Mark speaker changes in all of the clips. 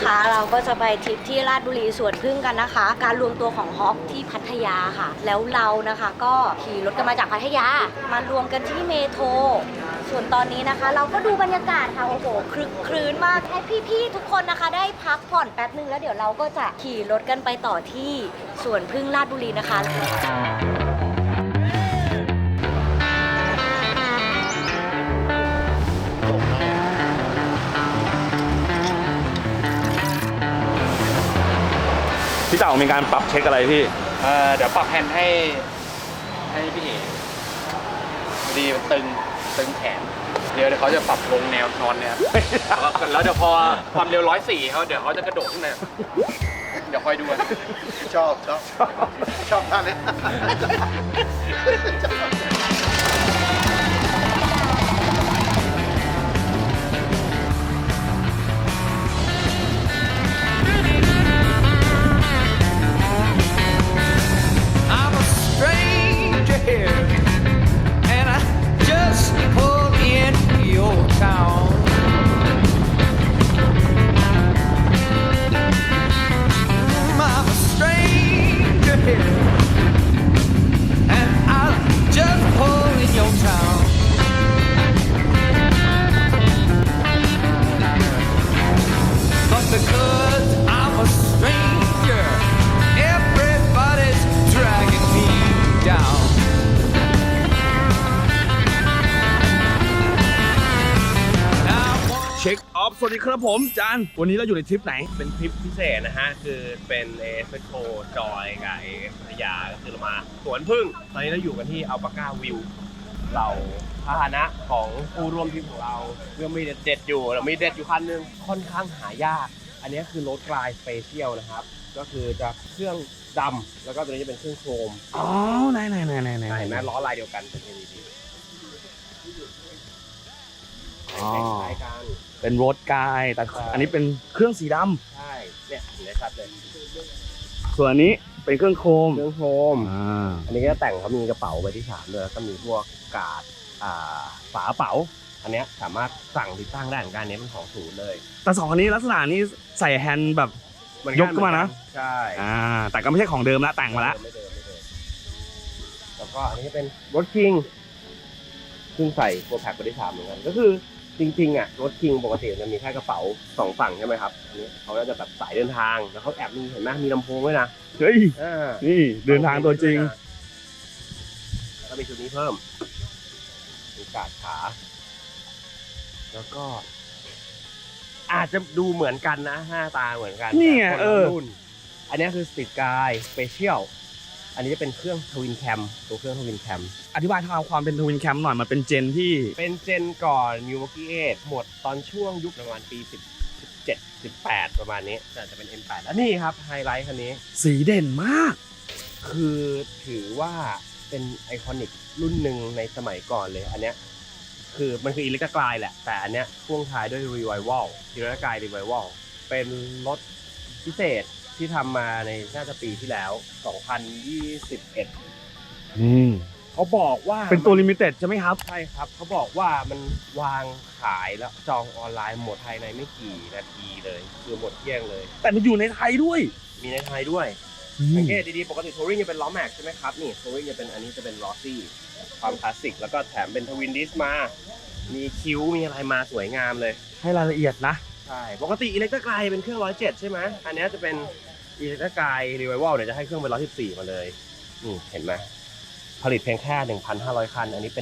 Speaker 1: นะคะเราก็จะไปทริปที่ราชบุรีสวนพึ่งกันนะคะ การรวมตัวของฮอปที่พัทยาค่ะแล้วเรานะคะก็ขี่รถกันมาจากพัทยามารวมกันที่เมโทรส่วนตอนนี้นะคะเราก็ดูบรรยากาศค่ะโอ้โหคลึกครื้นมากให้พี่ๆทุกคนนะคะได้พักผ่อนแป๊บนึงแล้วเดี๋ยวเราก็จะขี่รถกันไปต่อที่สวนพึ่งราชบุรีนะคะ
Speaker 2: พี่เต่ามีการปรับเช็คอะไรพี่
Speaker 3: เดี๋ยวปรับแฮนด์ให้พี่เอ๋พอดีมันตึงแขนเดี๋ยวเขาจะปรับลงแนวนอนเนี่ยแล้วเดี๋ยวพอความเร็ว104เขาเดี๋ยวเขาจะกระโดดขึ้นมาเดี๋ยวคอยดูกัน
Speaker 4: ชอบท่านนี้
Speaker 5: I'm a stranger here, and I just pulled into your town. I'm a stranger here, and I just pulled in your town. But because I'm a stranger.Everybody's dragging me down.
Speaker 2: เช็คออฟสวัสดีครับผมจานวันนี้เราอยู่ในทริปไหน
Speaker 6: เป็นทริปพิเศษนะฮะ คือเป็นเอสโคจอยกับเอพัทยาก็คือเรามาสวนพึ่ง ตอนนี้เราอยู่กันที่อัลปาก้าวิว เราพาหนะของผู้ร่วมทริปของเราเรื่องมีเด็ดอยู่เรามีเด็ดอยู่คันนึงค่อนข้างหายาก อันนี้คือรถกลายสเปเชียลนะครับ ก็คือจะเครื่องดำแล้วก็ตัวนี้จะเป็นเครื่องโครม
Speaker 2: อ๋อไหน
Speaker 6: เห็นไหมล้อลายเดียวกันเป็น LED
Speaker 2: อ๋อ
Speaker 6: คล้ายกัน
Speaker 2: เป็นรถกายแต่อันนี้เป็นเครื่องสีด
Speaker 6: ใช่เนี่ยเห็นได้ชัดเลย
Speaker 2: ำส่วนอันนี้เป็นเครื่องโคม
Speaker 6: เครื่องโครม อันนี้ก็แต่งเขามีกระเป๋าใบที่3ด้วยแล้วก็มีพวกกาดฝากระเป๋า อันเนี้ยสามารถสั่งติดตั้งได้เหมือนกันอันนี้เป็นของศูนย์เลย
Speaker 2: แต่สองอันนี้ลักษณะนี้ใส่แฮนด์แบบยกขึ้นมานะ
Speaker 6: ใช่
Speaker 2: แต่ก็ไม่ใช่ของเดิมละแต่งมาละ
Speaker 6: ไม่เดิมแล้วก็อันนี้เป็นรถคิงซึ่งใส่ตัวแพ็คใบที่3เหมือนกันก็คือจริงๆอ่ะรถคิงปกติมันมีแค่กระเป๋า2ฝั่งใช่ไหมครับอันนี้เขาก็จะแบบสายเดินทางแล้วเขาแอบมีเห็นไหมมีลำโพงด้วยนะ
Speaker 2: เฮ้ยนี่เดินทางตัวจริง
Speaker 6: แล้วก็มีชุดนี้เพิ่มมีกาดขาแล้วก็อาจจะดูเหมือนกันนะหน้าตาเหมือนกัน
Speaker 2: นี่ไง
Speaker 6: แต่คนละรุ่นอันนี้คือสติดกายสเปเชียลอันนี้จะเป็นเครื่องทวินแคมตัวเครื่องทวินแคม
Speaker 2: อธิบายความเป็นทวินแคมหน่อยมันเป็นเจนที่
Speaker 6: เป็นเจนก่อนมิววอกี้8หมดตอนช่วงยุคประมาณปี17 18ประมาณนี้แต่จะเป็น M8 แล้วนี่ครับไฮไลท์คันนี้
Speaker 2: สีเด่นมาก
Speaker 6: คือถือว่าเป็นไอคอนิกรุ่นหนึ่งในสมัยก่อนเลยอันเนี้ยคือมันคืออิเล็กตรายแหละแต่อันเนี้ยพ่วงท้ายด้วย Revival อิเล็กตราย Revival เป็นรถพิเศษที่ทำมาในน่าจะปีที่แล้ว 2021เขาบอกว่า
Speaker 2: เป็นตัวลิมิเต็ดใช่ไหมครับ
Speaker 6: ใช่ครับเขาบอกว่ามันวางขายแล้วจองออนไลน์หมดภายในไม่กี่นาทีเลยคือหมดเที่ยงเลย
Speaker 2: แต่มันอยู่ในไทยด้วย
Speaker 6: มีในไทยด้วยสังเกตดีๆปกติทัวริงจะเป็นล้อแม็กใช่ไหมครับนี่ทัวริงจะเป็นอันนี้จะเป็นลอซี่ความคลาสสิกแล้วก็แถมเป็นทวินดิสมามีคิ้วมีอะไรมาสวยงามเลย
Speaker 2: ให้รายละเอียดนะ
Speaker 6: ใช่ปกติอิเล็กตรายเป็นเครื่อง107ใช่ไหมอันนี้จะเป็นอิเล็กตรายรีไววัลเนี่ยจะให้เครื่องเป็น114มาเลยนี่เห็นไหมผลิตเพียงแค่ 1,500 คันอันนี้เป็น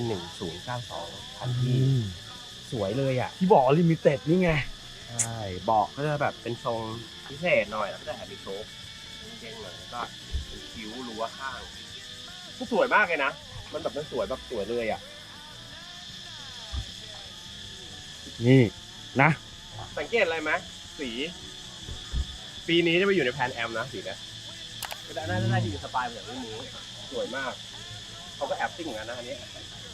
Speaker 6: 1092คันที่สวยเลยอ่ะ
Speaker 2: ที่บอกลิมิเต็ดนี่ไง
Speaker 6: ใช่เบาะก็จะแบบเป็นทรงพิเศษหน่อยแล้วก็จะแอบมีโชคเด้งหน่อยแล้วก็เป็นคิ้วรั้วข้างก็สวยมากเลยนะมันแบบมันสวยแบบสวยเลยอ่ะ
Speaker 2: นี่นะ
Speaker 6: สังเกตอะไรไหมสีปีนี้จะไปอยู่ในแพนแอมนะสีเนี้ยก็ได้น่าจะอยู่สไตล์แบบนี้สวยมากเขาก็แอบซิ่งเหมือนกันนะอันนี้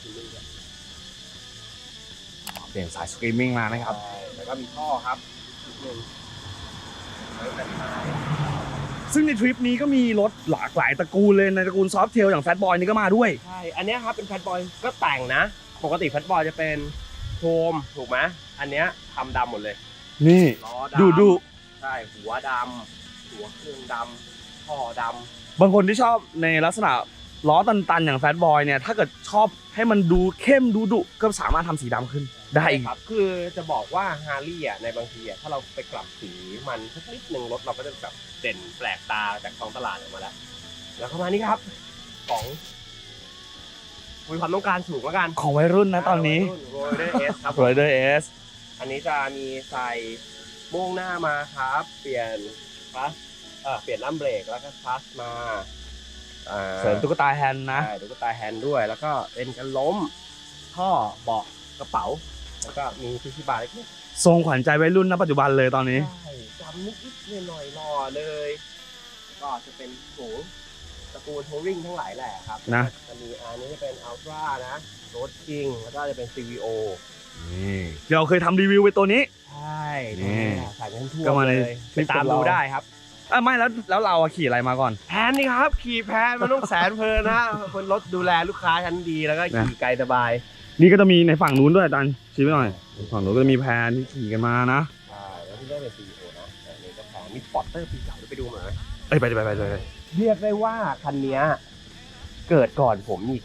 Speaker 2: เปลี่ยนสายสตรีมมิ่งมานะครับ
Speaker 6: แล้วก็มีท่อครับนิดนึงแล้วแต่ท้าย
Speaker 2: ซึ่งในทริปนี้ก็มีรถหลากหลายตระกูลเลยในตระกูลซอฟต์เทลอย่างแฟตบอยนี่ก็มาด้วย
Speaker 6: ใช่อันเนี้ยครับเป็นแฟตบอยก็แต่งนะปกติแฟตบอยจะเป็นโครมถูกไหมอันเนี้ยทำดำหมดเลย
Speaker 2: นี่
Speaker 6: ล้อดำ
Speaker 2: ดู
Speaker 6: ใช่ช่หัวดำหัวเครื่องดำท่อดำ
Speaker 2: บางคนที่ชอบในลักษณะล้อตันๆอย่างแฟตบอยเนี่ยถ้าเกิดชอบให้มันดูเข้มดูดุก็สามารถทำสีดำขึ้นได้อีก
Speaker 6: ครับคือจะบอกว่าฮาร์ลี่ในบางทีถ้าเราไปกลับสีมันสักนิดนึงรถเราก็จะแบบเด่นแปลกตาจากท้องตลาดออกมาแล้วเข้ามานี่ครับของมีความต้องการสูงแล้วกัน
Speaker 2: ของวัยรุ่นนะตอนนี้
Speaker 6: โรเดอร์เอสครับ
Speaker 2: Rider S
Speaker 6: อันนี้จะมีใส่โม่งหน้ามาครับ เปลี่ยนคลัสเปลี่ยนลัมเบรกแล้วก็คลัสมา
Speaker 2: เสริมตุ๊กตาแฮนด์นะ
Speaker 6: ใช่ตุ๊กตาแฮนด์ด้วย แล้วก็เป็นกันล้มท่อเบาะกระเป๋าแล้วก็มีที่บาร์เล็ก
Speaker 2: ทรงขวัญใจวัยรุ่นณปัจจุบันเลยตอนนี้
Speaker 6: ใช่จำนิดๆหน่อยๆหล่อเลย ก็จะเป็นสูงตระกูลโทริ่งทั้งหลายแหละครับ
Speaker 2: นะ
Speaker 6: จะมีอันนี้จะเป็นอัลตร้านะโรดคิงแล้วก็จะเป็น CVO
Speaker 2: นี่เราเคยทำรีวิวไปตัวนี้
Speaker 6: ใช่
Speaker 2: นี่
Speaker 6: ใส่กันทั่ว
Speaker 2: ก็มาใน
Speaker 6: เลย
Speaker 2: คลิ
Speaker 6: ไป
Speaker 2: ป
Speaker 6: ตาม
Speaker 2: ของเรา
Speaker 6: ดูได้ครับ
Speaker 2: ไม่แล้วเราขี่อะไรมาก่อน
Speaker 6: แพนนี่ครับขี่แพนมันต้องแสนเพลินนะคนรถดูแลลูกค้าชั้นดีแล้วก็ขี่ไกลสบาย
Speaker 2: นี่ก็จะมีในฝั่งนู้นด้วยอาจารย์ชี้ไปหน่อยฝั่งนู้นก็จะมีแพนที่ขี่กันมานะ
Speaker 6: ใช่แล้วที่ได้เป็น CVO นะแต่อันนี้ก็แพนมีสปอร์ตเตอร์ปีเก่าด้วยไปดูมาไหม
Speaker 2: เอ้ยไปเลย
Speaker 6: เรียกได้ว่าคันนี้เกิดก่อนผมอีก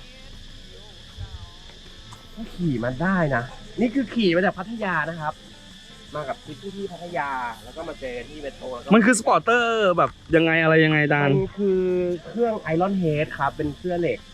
Speaker 6: ก็ขี่มันได้นะนี่คือขี่มาจากพัทยานะครับ มากับที่พัทยาแล้วก็มาเจอที่เมโทรแล้วก็
Speaker 2: มันคือสปอร์เตอร์แบบยังไงอะไรยังไงอาจาร
Speaker 6: มั
Speaker 2: ย์
Speaker 6: นคือเครื่องไอรอนเฮดครับเป็นเครื่องเหล็ก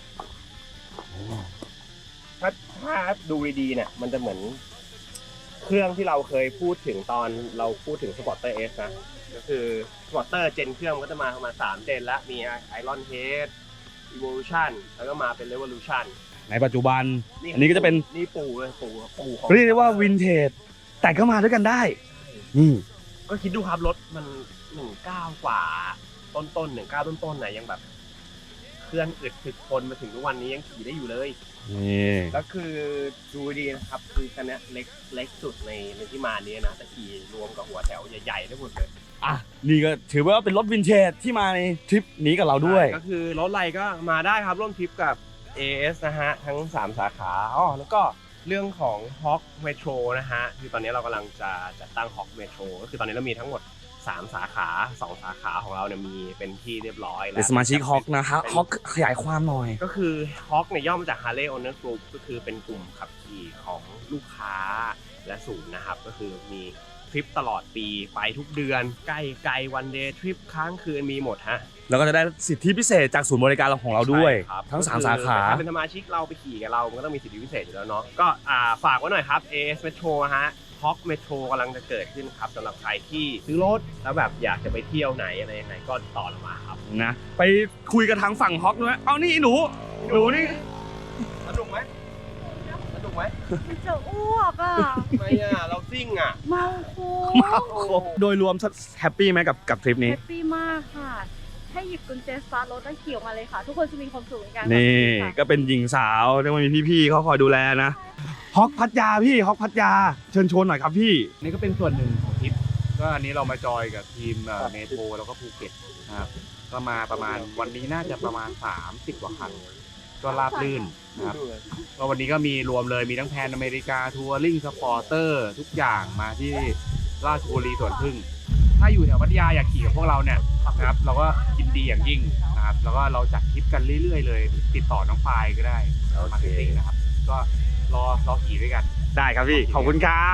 Speaker 6: ถ้าดูดีๆเนี่ยมันจะเหมือนเครื่องที่เราเคยพูดถึงตอนเราพูดถึงสปอร์เตอร์เอสนะก็คือสปอร์เตอร์เจนเครื่องมันก็จะมาประมาณ3เจนแล้วมีไอรอนเฮดEvolution แล้วก็มาเป็น Revolution
Speaker 2: ในปัจจุบัน อันนี้ก็จะเป็น
Speaker 6: นี่ปู่เลยปู่ของ
Speaker 2: เรียกได้ว่าวินเทจแต่ก็มาด้วยกันได้นี่
Speaker 6: ก็คิดดูครับรถมัน19กว่าต้น19ต้นไหนยังแบบเครื่องอึดถึกทนมาถึงทุกวันนี้ยังขี่ได้อยู่เลย
Speaker 2: นี่
Speaker 6: แล้วคือดูดีนะครับคือคันนี้เล็กสุดในที่มานี้นะแต่ขี่รวมกับหัวแถวใหญ่ๆได้หมดเลย
Speaker 2: อ่ะนี่ก็ถือว่าเป็นรถวินเทจที่มาในทริปนี้กับเราด้วย
Speaker 6: ก็คือรถอะไรก็มาได้ครับร่วมทริปกับ AS นะฮะทั้ง3สาขาแล้วก็เรื่องของ Hawk Metro นะฮะคือตอนนี้เรากำลังจะจัดตั้ง Hawk Metro ก็คือตอนนี้เรามีทั้งหมด3สาขา2สาขาของเราเนี่ยมีเป็นที่เรียบร้อยแล้ว
Speaker 2: เป็นสมาชิกฮอกนะฮะฮอกขยายความหน่อย
Speaker 6: ก็คือ Hawk เนี่ยย่อมาจาก Harley Owner Group ก็คือเป็นกลุ่มขับขี่ของลูกค้าและศูนย์นะครับก็คือมีทริปตลอดปีไปทุกเดือนใกล้วันเดย์ทริปค้างคืนมีหมดฮะ
Speaker 2: แล้วก็จะได้สิทธิพิเศษจากศูนย์บริการของเราด้วย
Speaker 6: ใช่ครับ
Speaker 2: ทั้ง3สาขา
Speaker 6: ถ้าเป็นสมาชิกเราไปขี่กับเรามันก็ต้องมีสิทธิพิเศษอยู่แล้วเนาะก็ฝากไว้หน่อยครับ AS Metro ฮะ Hawk Metro กำลังจะเกิดขึ้นครับสำหรับใครที่ซื้อรถแล้วแบบอยากจะไปเที่ยวไหนอะไรยังไงก็ต่อเรามาครับ
Speaker 2: นะไปคุยกับทางฝั่งฮอกด้วยเอานี่หนูนี่
Speaker 6: สนุกไหมสนุกไหม
Speaker 1: จะอ้วกอ่ะ
Speaker 6: ไม่เราซิ่งอ่ะ
Speaker 1: เมาคู
Speaker 2: โดยรวมแฮปปี้ไหมกับทริปนี้
Speaker 7: แฮปปี้มากค่ะ ให้หยิบกุญแจสตาร์ทรถแล้วขี่ออกมาเลยค่ะ ทุกคนจะมีความสุขในการขับ
Speaker 2: นี่
Speaker 7: ขี่ค่ะ
Speaker 2: ก็เป็นหญิงสาวที่มันมีพี่ๆเขาคอยดูแลนะฮอกพัทยาพี่ฮอกพัทยาเชิญชวนหน่อยครับพี่
Speaker 3: นี่ก็เป็นส่วนหนึ่งของทริปก็อันนี้เรามาจอยกับทีมเมโทรแล้วก็ภูเก็ตนะครับก็มาประมาณวันนี้น่าจะประมาณ30กว่าคันก็ราบลื่นนะครับก็วันนี้ก็มีรวมเลยมีทั้งแพนอเมริกาทัวริงสปอร์เตอร์ทุกอย่างมาที่ราชบุรีสวนพึ่งถ้าอยู่แถวพัทยาอยากขี่กับพวกเราเนี่ยนะครับเราก็ยินดีอย่างยิ่งนะครับแล้วก็เราจัดทริปกันเรื่อยๆเลยติดต่อน้องปายก็ได้มาร์เก็ตติ้งนะครับก็รอขี่ด้วยกัน
Speaker 2: ได้ครับพี่ขอบคุณครับ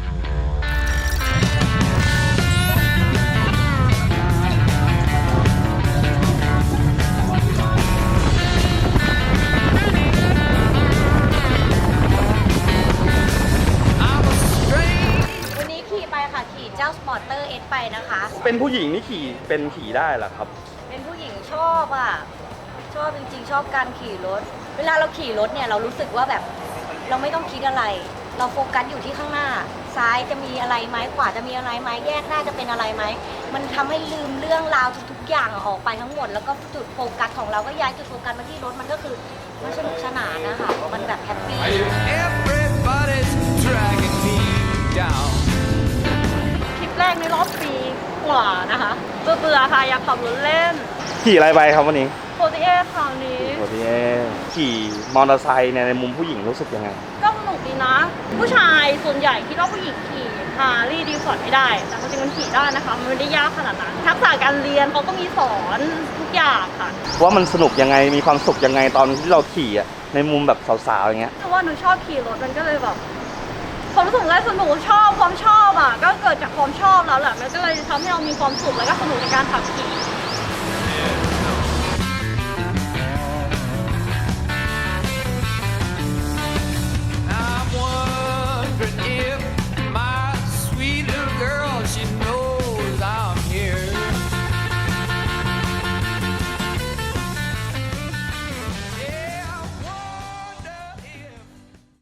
Speaker 1: วันนี้ขี่ไปค่ะขี่เจ้าสปอร์เตอร์เอสไปนะคะ
Speaker 2: เป็นผู้หญิงนี่ขี่ได้เหรอครับ
Speaker 1: เป็นผู้หญิงชอบอ่ะ ชอบจริงๆ ชอบการขี่รถ เวลาเราขี่รถเนี่ยเรารู้สึกว่าแบบเราไม่ต้องคิดอะไร เราโฟกัสอยู่ที่ข้างหน้า ซ้ายจะมีอะไรไหมขวาจะมีอะไรไหมแยกหน้าจะเป็นอะไรไหมมันทำให้ลืมเรื่องราวทุกๆอย่างออกไปทั้งหมด แล้วก็จุดโฟกัสของเราก็ย้ายจุดโฟกัสมาที่รถมันก็คือมันสนุกสนานนะคะมันแบบแฮปปี้
Speaker 5: Everybody's dragging me down.
Speaker 7: ทริปแรกในรอบปีกว่านะคะเบื่อๆค่ะอยากขับรถเล่น
Speaker 2: ขี่อะไรไปครับวันนี้
Speaker 7: โ t เอคราวนี้
Speaker 2: โอ้ยขี่มอเตอร์ไซค์ในมุมผู้หญิงรู้สึกยังไง
Speaker 7: ก็สนุกดีนะ ผู้ชายส่วนใหญ่คิดว่าผู้หญิงขี่ฮาร์ลีย์ดีฟอร์ดไม่ได้ แต่จริงๆมันขี่ได้นะคะมันไม่ได้ยากขนาดนั้นทักษะการเรียนเขาก็มีสอนทุกอย่างค่ะ
Speaker 2: ว่ามันสนุกยังไงมีความสุขยังไงตอนที่เราขี่อะในมุมแบบสาวๆอย่างเงี้ย
Speaker 7: เพราะว่าหนูชอบขี่รถมันก็เลยแบบความรู้สึกแรกคือหนูชอบความชอบอ่ะก็เกิดจากความชอบแล้วแหละมันก็เลยทำให้เรามีความสุขแล้วก็สนุกในการขับขี่